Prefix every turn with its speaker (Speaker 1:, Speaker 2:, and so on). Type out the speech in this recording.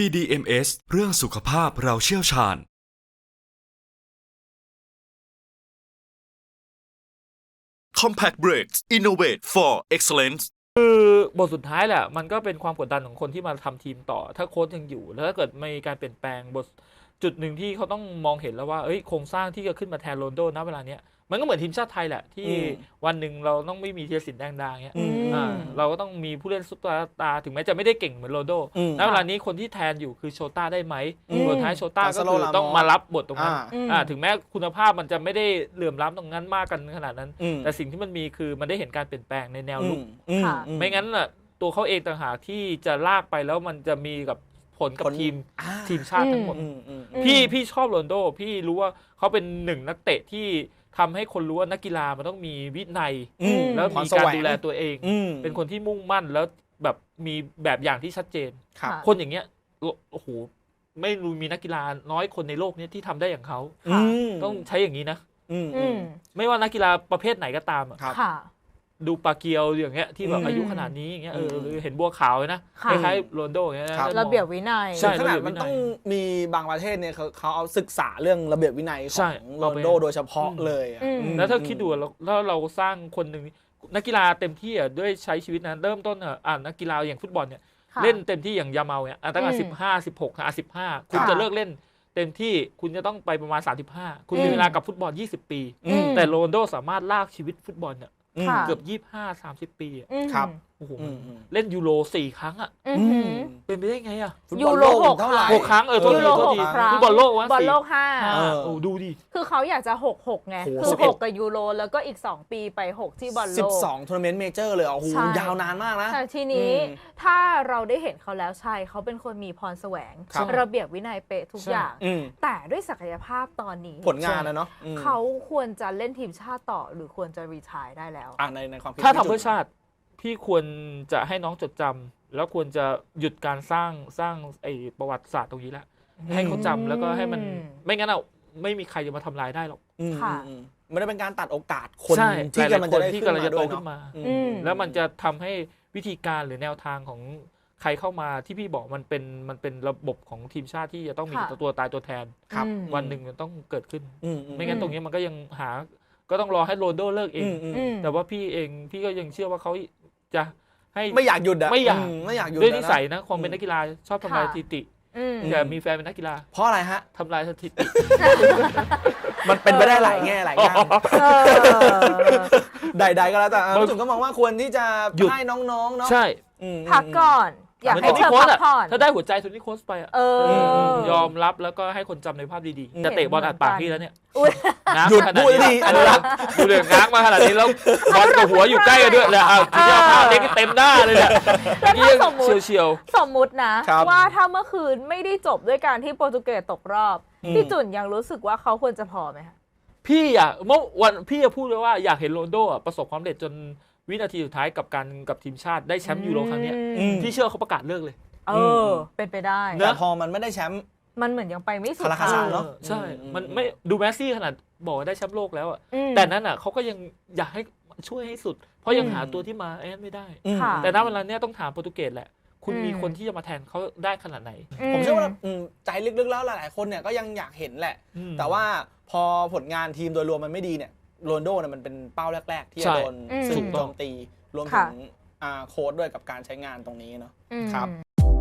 Speaker 1: BDMS เรื่องสุขภาพเราเชี่ยวชาญ
Speaker 2: Compact Brakes Innovate for Excellence
Speaker 3: คือบทสุดท้ายแหละมันก็เป็นความกดดันของคนที่มาทำทีมต่อถ้าโค้ชยังอยู่แล้วถ้าเกิดมีการเปลี่ยนแปลงบทจุดหนึ่งที่เขาต้องมองเห็นแล้วว่าโครงสร้างที่จะขึ้นมาแทนโรนลโดณเวลาเนี้ยมันก็เหมือนทีมชาติไทยแหละที่วันหนึ่งเราต้องไม่มีธีรศิลป์แดงดาเงี้ยเราก็ต้องมีผู้เล่นซุปเปอร์สตาร์ถึงแม้จะไม่ได้เก่งเหมือนโรนลโดณเวลานี้คนที่แทนอยู่คือโชต้าได้ไหมสุดท้ายโชต้าก็คือต้องมารับบทตรงนั้นถึงแม้คุณภาพมันจะไม่ได้เหลื่อมล้ำตรงนั้นมากกันขนาดนั้นแต่สิ่งที่มันมีคือมันได้เห็นการเปลี่ยนแปลงในแนวลุกไม่งั้นน่ะตัวเขาเองต่างหากที่จะลากไปแล้วมันจะมีกับผลกับทีมชาติทั้งหมดพี่ชอบโรนลโดพี่รู้ว่าเขาเป็นหนึ่งนักเตะที่ทำให้คนรู้ว่านักกีฬามันต้องมีวินัยแล้วมีการดูแลตัวเองเป็นคนที่มุ่งมั่นแล้วแบบมีแบบอย่างที่ชัดเจนคนอย่างเงี้ยโอ้โหไม่รู้มีนักกีฬาน้อยคนในโลกนี้ที่ทำได้อย่างเขาต้องใช้อย่างนี้นะไม่ว่านักกีฬาประเภทไหนก็ตามดูปาเกียวอย่างเงี้ยที่แบบอายุขนาดนี้อย่างเงี้ยเห็นบัวขาวเลยนะคล้ายๆโรนลโดอย่างเงี้ยนะ
Speaker 4: ระเบียบวินัย
Speaker 5: ใช่ขนาดมันต้องมีบางประเทศเนี่ยเขาเอาศึกษาเรื่องระเบียบวินัยของโรนลโดโดยเฉพาะเลย
Speaker 3: แล้วถ้าคิดดูแล้วเราสร้างคนหนึ่งนักกีฬาเต็มที่ด้วยใช้ชีวิตนั้นเริ่มต้นนักกีฬาอย่างฟุตบอลเนี่ยเล่นเต็มที่อย่างยาเมาเนี่ยตั้งแต่15 16 15คุณจะเลิกเล่นเต็มที่คุณจะต้องไปประมาณ35คุณมีเวลากับฟุตบอล20 ปีแต่โรนลโดสามารถลากชีวิตฟุตบอลเนี่ยเกือบ25-30 ปี
Speaker 5: ครับ
Speaker 3: โอ้โหเล่นยูโร4 ครั้งอ่ะเป็นไปได้ไงอ่ะ
Speaker 4: ยูโร
Speaker 3: 6 ครั้งโทษทีฟุตบอลโลก
Speaker 4: บอลโลก
Speaker 3: โอ้ดูดิ
Speaker 4: คือเขาอยากจะ6ไงคือ6กับยูโรแล้วก็อีก2ปีไป6ที่บอลโลก
Speaker 5: 12ทัวร์นาเมนต์เมเจอร์เลยโอ้โหยาวนานมากนะ
Speaker 4: แต่ทีนี้ถ้าเราได้เห็นเขาแล้วใช่เขาเป็นคนมีพรแสวงระเบียบวินัยเป๊ะทุกอย่างแต่ด้วยศักยภาพตอนนี้
Speaker 5: ผลงานนะเนาะ
Speaker 4: เขาควรจะเล่นทีมชาติต่อหรือควรจะรีไทร์ได้แล้ว
Speaker 5: ในความคิด
Speaker 3: ถ้าทำเพื่อชาติพี่ควรจะให้น้องจดจำแล้วควรจะหยุดการสร้างไอ้ประวัติศาสตร์ตรงนี้แหละให้เขาจำแล้วก็ให้มันไม่งั้นไม่มีใครจะมาทำลายได้หรอก
Speaker 5: มันจะเป็นการตัดโอกาสคน
Speaker 3: ที่กำลังจะโตขึ้นมาแล้วมันจะทำให้วิธีการหรือแนวทางของใครเข้ามาที่พี่บอกมันเป็นระบบของทีมชาติที่จะต้องมีตัวตายตัวแทนวันหนึ่งมันต้องเกิดขึ้นไม่งั้นตรงนี้มันก็ยังก็ต้องรอให้โรนลโดเลิกเองแต่ว่าพี่ก็ยังเชื่อว่าเขาจะให้
Speaker 5: ไม่อยากหยุด
Speaker 3: ไม่อย
Speaker 5: ากหยุด
Speaker 3: ด้วยนิสัยนะความเป็นนักกีฬาชอบทำลายสถิติแต่มีแฟนเป็นนักกีฬา
Speaker 5: เพราะอะไรฮะ
Speaker 3: ทำลายสถิติ
Speaker 5: มันเป็นไปได้หลายแง่หลายด้านใดๆก็แล้วแต่รู้สึกก็มองว่าควรที่จะให้น้องๆเนาะ
Speaker 3: ใช่
Speaker 4: พักก่อนอยากให้เธอพักผ่อน
Speaker 3: ถ้าได้หัวใจโทนี่โค้ชไปยอมรับแล้วก็ให้คนจำในภาพดีๆจะเตะบอลอัดปากพี่แล้วเนี่ย
Speaker 5: หยุดพูดดี
Speaker 3: อันนี้ดูเรื่องง้างมาขนาดนี้แล้วบอลกับหัวอยู่ใกล้กันด้วยแล้วทีนี้ภาพเด็กเต็มหน้าเลยเนี่ยเฉียว
Speaker 4: สมมุตินะว่าถ้าเมื่อคืนไม่ได้จบด้วยการที่โปรตุเกสตกรอบพี่จุนยังรู้สึกว่าเขาควรจะพอไหมคะ
Speaker 3: พี่เมื่อวันพี่จะพูดเลยว่าอยากเห็นโรนลโดประสบความสำเร็จจนวินาทีสุดท้ายกับทีมชาติได้แชมป์ยูโรครั้งนี้พี่เชื่อเขาประกาศเลิกเลย
Speaker 4: เป็นไปได้
Speaker 5: แต่พอมันไม่ได้แชมป์
Speaker 4: มันเหมือนยังไปไม่สุด
Speaker 5: เนาะ
Speaker 3: ใช่มันไม่ดูแมสซี่ขนาดบอกได้แชมป์โลกแล้วแต่นั้นเขาก็ยังอยากให้ช่วยให้สุดเพราะยังหาตัวที่มาไม่ได้แต่ณเวลานี้ต้องถามโปรตุเกสแหละคุณมีคนที่จะมาแทนเขาได้ขนาดไหน
Speaker 5: ผมเชื่อว่าใจลึกๆแล้วหลายๆคนเนี่ยก็ยังอยากเห็นแหละแต่ว่าพอผลงานทีมโดยรวมมันไม่ดีเนี่ยโรนลโดเนี่ยมันเป็นเป้าแรกๆที่จะโดนสื่อโจมตีรวมถึงโค้ชด้วยกับการใช้งานตรงนี้เนาะครับ